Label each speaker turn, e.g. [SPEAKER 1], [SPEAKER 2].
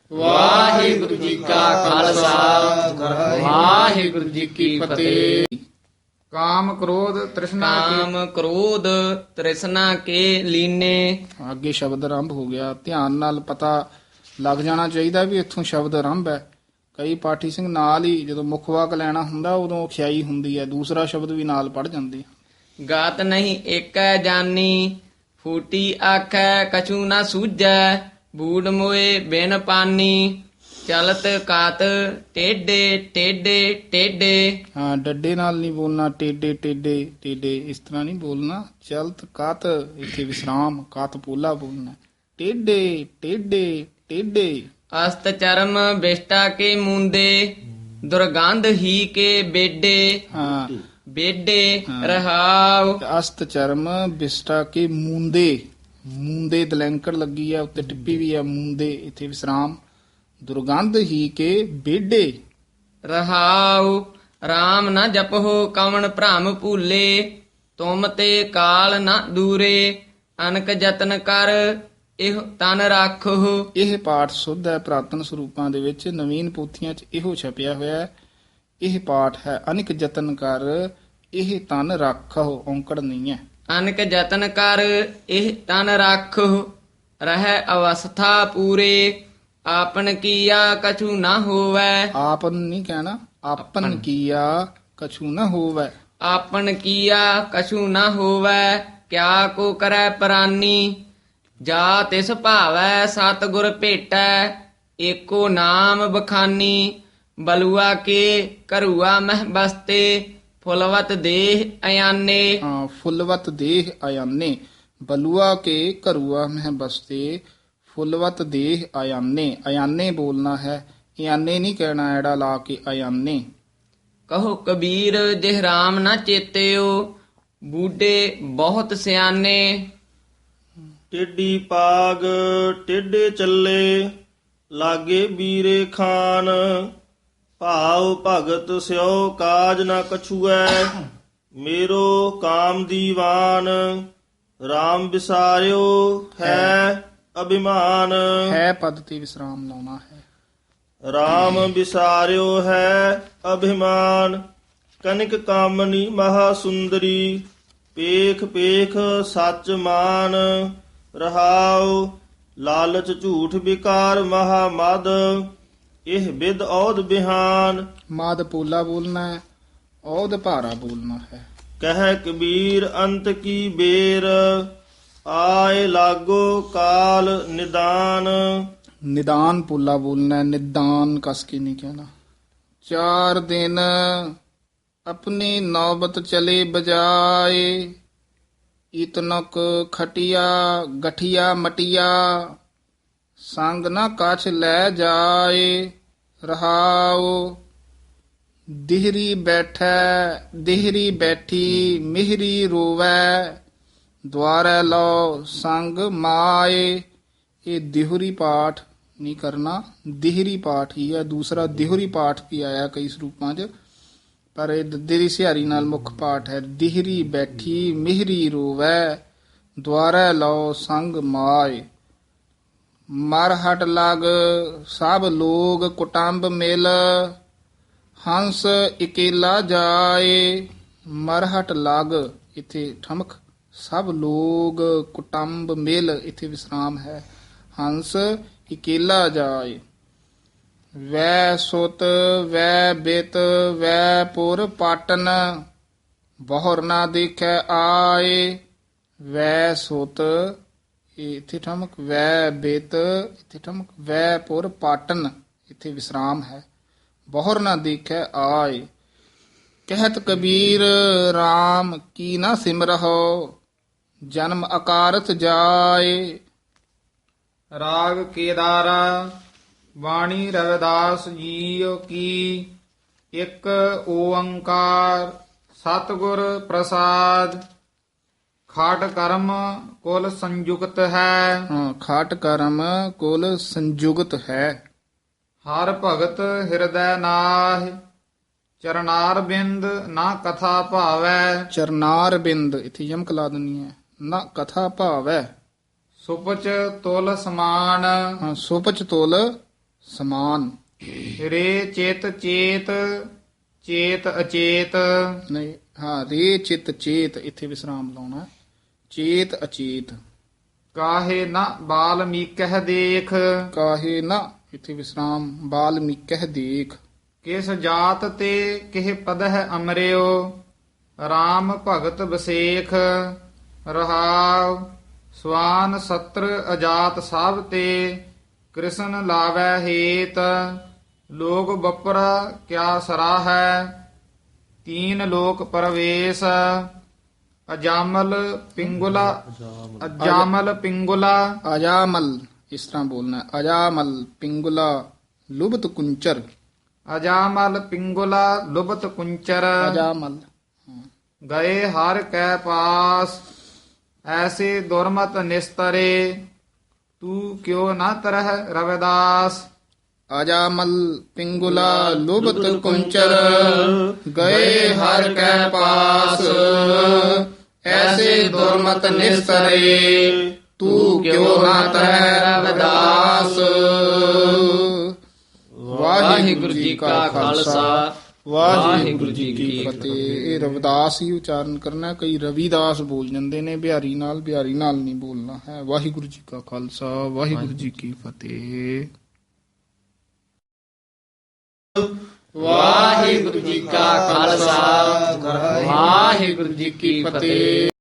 [SPEAKER 1] ਵਾਹਿਗੁਰੂ ਜੀ ਕਾ ਖਾਲਸਾ ਵਾਹਿਗੁਰੂ ਜੀ ਕੀ ਫਤਿਹ।
[SPEAKER 2] ਕਾਮ ਕ੍ਰੋਧ ਤ੍ਰਿਸ਼ਨਾ
[SPEAKER 1] ਕਾਮ ਕ੍ਰੋਧ ਤ੍ਰਿਸ਼ਨਾ ਕੇ ਲੀਨੇ।
[SPEAKER 2] ਅੱਗੇ ਸ਼ਬਦ ਆਰੰਭ ਹੋ ਗਿਆ। ਧਿਆਨ ਨਾਲ ਪਤਾ ਲੱਗ ਜਾਣਾ ਚਾਹੀਦਾ ਵੀ ਇੱਥੋਂ ਸ਼ਬਦ ਆਰੰਭ ਹੈ। ਕਈ ਪਾਠੀ ਸਿੰਘ ਨਾਲ ਹੀ ਜਦੋਂ ਮੁੱਖ ਵਾਕ ਲੈਣਾ ਹੁੰਦਾ ਉਦੋਂ ਖਿਆਈ ਹੁੰਦੀ ਹੈ, ਦੂਸਰਾ ਸ਼ਬਦ ਵੀ ਨਾਲ ਪੜ ਜਾਂਦੇ।
[SPEAKER 1] ਗਾਤ ਨਹੀਂ ਏਕੈ ਜਾਨੀ ਫੂਟੀ ਆਖੈ ਕਛੂ ਨਾ ਸੂਝੈ। ਬੂੜ ਮੋਏ ਬਿਨ ਪਾਨੀ ਚਲਤ ਕਾਤ ਟੇਡੇ ਟੇਡੇ ਟੇਡੇ।
[SPEAKER 2] ਹਾਂ, ਡੱਡੇ ਨਾਲ ਨਹੀਂ ਬੋਲਣਾ, ਟੇਡੇ ਟੇਡੇ ਟੇਡੇ ਇਸ ਤਰ੍ਹਾਂ ਨਹੀਂ ਬੋਲਣਾ। ਚਲਤ ਕਾਤ ਇੱਥੇ ਵਿਸਰਾਮ, ਕਾਤ ਪੋਲਾ ਬੋਲਣਾ। ਟੇਡੇ ਟੇਡੇ ਟੇਡੇ।
[SPEAKER 1] ਅਸਤ ਚਰਮ ਬਿਸ਼ਟਾ ਕੇ ਮੂੰਦੇ ਦੁਰਗੰਧ ਹੀ ਕੇ ਬੇਡੇ।
[SPEAKER 2] ਹਾਂ,
[SPEAKER 1] ਬੇਡੇ ਰਹਾਉ।
[SPEAKER 2] ਅਸਤ ਚਰਮ ਬਿਸਟਾ ਕੇ ਮੂੰਦੇ, ਮੂੰਦੇ ਦਲੈਂਕੜ ਲੱਗੀ ਆ, ਉੱਤੇ ਟਿੱਪੀ ਵੀ ਆ, ਮੂੰਦੇ ਇੱਥੇ ਵਿਸਰਾਮ। ਦੁਰਗੰਧ ਹੀ ਕੇ ਬੇਡੇ।
[SPEAKER 1] ਰਹਾਉ RAM ਨਾ ਜਪਹੁ ਕਵਣ ਭ੍ਰਮ ਭੂਲੇ। ਤੁਮ ਤੇ ਕਾਲ ਨਾ ਦੂਰੇ ਅਨਕ ਜਤਨ ਕਰ ਇਹ ਤਨ ਰੱਖਹੁ।
[SPEAKER 2] ਇਹ ਪਾਠ ਸੁੱਧ ਹੈ ਪ੍ਰਾਤਨ ਸਰੂਪਾਂ ਦੇ ਵਿੱਚ, ਨਵੀਨ ਪੋਥੀਆਂ 'ਚ ਇਹੋ ਛਪਿਆ ਹੋਇਆ ਹੈ। ਇਹ ਪਾਠ ਹੈ ਅਨਿਕ ਜਤਨ ਕਰ ਇਹ ਤਨ ਰੱਖਹੁ, ਔਂਕੜ ਨਹੀਂ ਹੈ।
[SPEAKER 1] ਅਨਕ ਜਤਨ ਕਰ ਇਹ ਤਨ ਰੱਖਹੁ ਰਹਿ ਅਵਸਥਾ ਪੂਰੇ। ਆਪਨ ਕੀਆ ਕਛੂ ਨਾ ਹੋਵੈ।
[SPEAKER 2] ਆਪਨ ਨਹੀਂ ਕਹਿਣਾ, ਆਪਨ ਕੀਆ ਕਛੂ ਨਾ ਹੋਵੈ।
[SPEAKER 1] ਆਪਨ ਕੀਆ ਕਛੂ ਨਾ ਹੋਵੈ ਕਿਆ ਕੋ ਕਰੈ ਪ੍ਰਾਨੀ। ਜਾ ਤਿਸ ਭਾਵੈ ਸਤਿਗੁਰ ਭੇਟੈ ਏਕੋ ਨਾਮ ਬਖਾਨੀ। ਬਲੂਆ ਕੇ ਕਰੂਆ ਮਹਿ ਬਸਤੇ ਫੁਲਵਤ ਦੇਹ ਅਯਾਨੇ।
[SPEAKER 2] ਹਾਂ, ਫੁੱਲਵਤ ਦੇਹ ਆਯਾਨੇ। ਬਲੂਆ ਕੇ ਘਰੂਆ ਮਹਿ ਬਸਤੇ ਫੁੱਲਵਤ ਦੇਹ ਆਯਾਨੇ। ਆਯਾਨੇ ਬੋਲਣਾ ਹੈ, ਇਆਨੇ ਨਹੀਂ ਕਹਿਣਾ ਐੜਾ ਲਾ ਕੇ, ਆਯਾਨੇ।
[SPEAKER 1] ਕਹੋ ਕਬੀਰ ਜਿਹ ਰਾਮ ਨਾ ਚੇਤਿਓ ਬੂਢੇ ਬਹੁਤ ਸਿਆਨੇ।
[SPEAKER 3] ਟੇਢੀ ਪਾਗ ਟੇਢੇ ਚੱਲੇ ਲਾਗੇ ਬੀਰੇ ਖਾਨ। ਭਾਉ ਭਗਤ ਸਿਓ ਕਾਜ ਨਾ ਕਛੂਐ ਮੇਰੋ ਕਾਮ ਦੀਵਾਨ। RAM ਵਿਸਾਰਿਓ ਹੈ ਅਭਿਮਾਨ।
[SPEAKER 2] ਹੈ ਪਦ ਤੇ ਵਿਸਰਾਮ ਲਾਉਣਾ ਹੈ।
[SPEAKER 3] RAM ਵਿਸਾਰਿਓ ਹੈ ਅਭਿਮਾਨ। ਕਨਿਕ ਕਾਮਨੀ ਮਹਾ ਸੁੰਦਰੀ ਪੇਖ ਪੇਖ ਸੱਚ ਮਾਨ। ਰਹਾਉ ਲਾਲਚ ਝੂਠ ਵਿਕਾਰ ਮਹਾ ਮਦ ਇਹ ਵਿਦ ਔਦ ਬਿਹਾਨ।
[SPEAKER 2] ਮਾਦ ਪੋਲਾ ਬੋਲਣਾ ਹੈ, ਔਦ ਭਾਰਾ ਬੋਲਣਾ ਹੈ।
[SPEAKER 3] ਕਹਿ ਕਬੀਰ ਅੰਤ ਕੀ ਬੇਰ ਆਏ ਲਾਗੋ ਕਾਲ ਨਿਦਾਨ।
[SPEAKER 2] ਨਿਦਾਨ ਪੋਲਾ ਬੋਲਣਾ ਹੈ, ਨਿਦਾਨ ਕਸ ਕੇ ਨਹੀਂ ਕਹਿਣਾ। 4 ਦਿਨ ਆਪਣੀ ਨੌਬਤ ਚਲੇ ਬਜਾਏ। ਇਤਨਕ ਖਟਿਆ ਗਠਿਆ ਮਟਿਆ ਸੰਗ ਨਾ ਕਛ ਲੈ ਜਾਏ। ਰਹਾਉ ਦਿਹਰੀ ਬੈਠੈ ਦਿਹਰੀ ਬੈਠੀ ਮਿਹਰੀ ਰੋਵੈ ਦੁਆਰੈ ਲਓ ਸੰਗ ਮਾਏ। ਇਹ ਦਿਹਰੀ ਪਾਠ ਨਹੀਂ ਕਰਨਾ, ਦਿਹਰੀ ਪਾਠ ਹੀ ਹੈ। ਦੂਸਰਾ ਦਿਹਰੀ ਪਾਠ ਵੀ ਆਇਆ ਕਈ ਸਰੂਪਾਂ 'ਚ, ਪਰ ਇਹ ਦੱਦੇ ਦੀ ਸਿਹਾਰੀ ਨਾਲ ਮੁੱਖ ਪਾਠ ਹੈ। ਦਿਹਰੀ ਬੈਠੀ ਮਿਹਰੀ ਰੋਵੈ ਦੁਆਰੈ ਲਓ ਸੰਗ ਮਾਏ। ਮਰ ਹਟ ਲਗ ਸਭ ਲੋਗ ਕੁਟੰਬ ਮਿਲ ਹੰਸ ਇਕੇਲਾ ਜਾਏ। ਮਰ ਹਟ ਲਗ ਇੱਥੇ ਠਮਕ, ਸਭ ਲੋਗ ਕੁਟੰਬ ਮਿਲ ਇੱਥੇ ਵਿਸਰਾਮ ਹੈ। ਹੰਸ ਇਕੇਲਾ ਜਾਏ। ਵੈ ਸੁਤ ਵੈ ਬਿਤ ਵੈ ਪੁਰ ਪਾਟਨ ਬਹੁਰ ਨਾ ਦੇਖੈ ਆਏ। ਵੈ ਸੁਤ ਇੱਥੇ ਠਮਕ, ਵੈ ਬਿਤ ਇੱਥੇ ਠਮਕ, ਵੈ ਪੁਰ ਪਾਟਨ ਇੱਥੇ ਵਿਸਰਾਮ ਹੈ। ਬਹੁਰ ਨਾ ਦੇਖੈ ਆਏ। ਕਹਿਤ ਕਬੀਰ RAM ਕੀ ਨਾ ਸਿਮਰਹੁ ਜਨਮ ਅਕਾਰਤ ਜਾਏ।
[SPEAKER 4] ਰਾਗ ਕੇਦਾਰਾ ਬਾਣੀ ਰਵਿਦਾਸ ਜੀਓ ਕੀ। ਇੱਕ ਓੰਕਾਰ ਸਤਿਗੁਰ ਪ੍ਰਸਾਦ। ਖਾਟ ਕਰਮ ਕੁਲ ਸੰਯੁਕਤ ਹੈ।
[SPEAKER 2] ਹਾਂ, ਖਾਟ ਕਰਮ ਕੁਲ ਸੰਯੁਗਤ ਹੈ।
[SPEAKER 4] ਹਰ ਭਗਤ ਹਿਰਦੈ ਨਾਹਿ ਚਰਨਾਰ ਬਿੰਦ ਨਾ ਕਥਾ ਭਾਵੈ।
[SPEAKER 2] ਚਰਨਾਰ ਬਿੰਦ ਇੱਥੇ ਯਮਕ ਲਾ ਦੇਣੀ ਹੈ। ਨਾ ਕਥਾ ਭਾਵੈ।
[SPEAKER 4] ਸੁਪਚ ਤੁਲ ਸਮਾਨ
[SPEAKER 2] ਹਾਂ, ਸੁਪਚ ਤੁਲ ਸਮਾਨ।
[SPEAKER 4] ਰੇ ਚਿਤ ਚੇਤ ਚੇਤ ਅਚੇਤ
[SPEAKER 2] ਨਹੀਂ, ਹਾਂ, ਰੇ ਚਿਤ ਚੇਤ ਇੱਥੇ ਵਿਸਰਾਮ ਲਾਉਣਾ ਹੈ। ਚੇਤ ਅਚੇਤ।
[SPEAKER 4] ਕਾਹੇ ਨ ਬਾਲਮੀਕਹਿ ਦੇਖ
[SPEAKER 2] ਕਾਹੇ ਨਾ, ਇੱਥੇ ਵਿਸਰਾਮ, ਬਾਲਮੀਕਹਿ ਦੇਖ।
[SPEAKER 4] ਕਿਸ ਜਾਤ ਤੇ ਕਿਹ ਪਦਹਿ ਅਮਰਿਓ RAM ਭਗਤ ਬਸੇਖ ਰਹਾਉ ਸਵਾਨ ਸਤਰ ਅਜਾਤ ਸਭ ਤੇ ਕ੍ਰਿਸ਼ਨ ਲਾਵੈ ਹੇਤ ਲੋਕ ਬਪਰਾ ਕਿਆ ਸਰਾਹੈ ਤੀਨ ਲੋਕ ਪਰਵੇਸ਼ ਅਜਾਮਲ ਪਿੰਗੁਲਾ
[SPEAKER 2] ਅਜਾਮਲ, ਇਸ ਤਰ੍ਹਾਂ ਬੋਲਣਾ ਹੈ। ਅਜਾਮਲ ਪਿੰਗੁਲਾ ਲੁਬਤ ਕੁੰਚਰ।
[SPEAKER 4] ਅਜਾਮਲ ਪਿੰਗੁਲਾ ਲੁਬਤ ਕੁੰਚਰ
[SPEAKER 2] ਅਜਾਮਲ।
[SPEAKER 4] ਗਏ ਹਰ ਕੈ ਪਾਸ ਐਸੇ ਦੁਰਮਤ ਨਿਸਤਰੇ ਤੂੰ ਕਿਉ ਨਾ ਤਰਹਿ ਰਵਿਦਾਸ
[SPEAKER 2] ਅਜਾਮਲ ਪਿੰਗੁਲਾ ਲੁਬਤ ਕੁੰਚਰ ਗਏ ਹਰ ਕੈ ਪਾਸ ਐਸੇ ਦੁਰਮਤ ਨਿਸਤਰੇ ਤੂੰ ਕਿਉ ਨਾ ਤਰਹਿ ਰਵਿਦਾਸ। ਵਾਹਿਗੁਰੂ ਜੀ ਕਾ ਖਾਲਸਾ, ਵਾਹਿਗੁਰੂ ਜੀ ਕੀ ਫਤਿਹ। ਇਹ ਰਵਿਦਾਸ ਹੀ ਉਚਾਰਨ ਕਰਨਾ। ਕਈ ਰਵਿਦਾਸ ਬੋਲ ਜਾਂਦੇ ਨੇ ਬਿਹਾਰੀ ਨਾਲ ਨਹੀਂ ਬੋਲਣਾ ਹੈ। ਵਾਹਿਗੁਰੂ ਜੀ ਕਾ ਖਾਲਸਾ, ਵਾਹਿਗੁਰੂ ਜੀ ਕੀ ਫਤਿਹ।
[SPEAKER 1] ਵਾਹਿਗੁਰੂ ਜੀ ਕਾ ਖਾਲਸਾ, ਵਾਹਿਗੁਰੂ ਜੀ ਕੀ ਫਤਿਹ।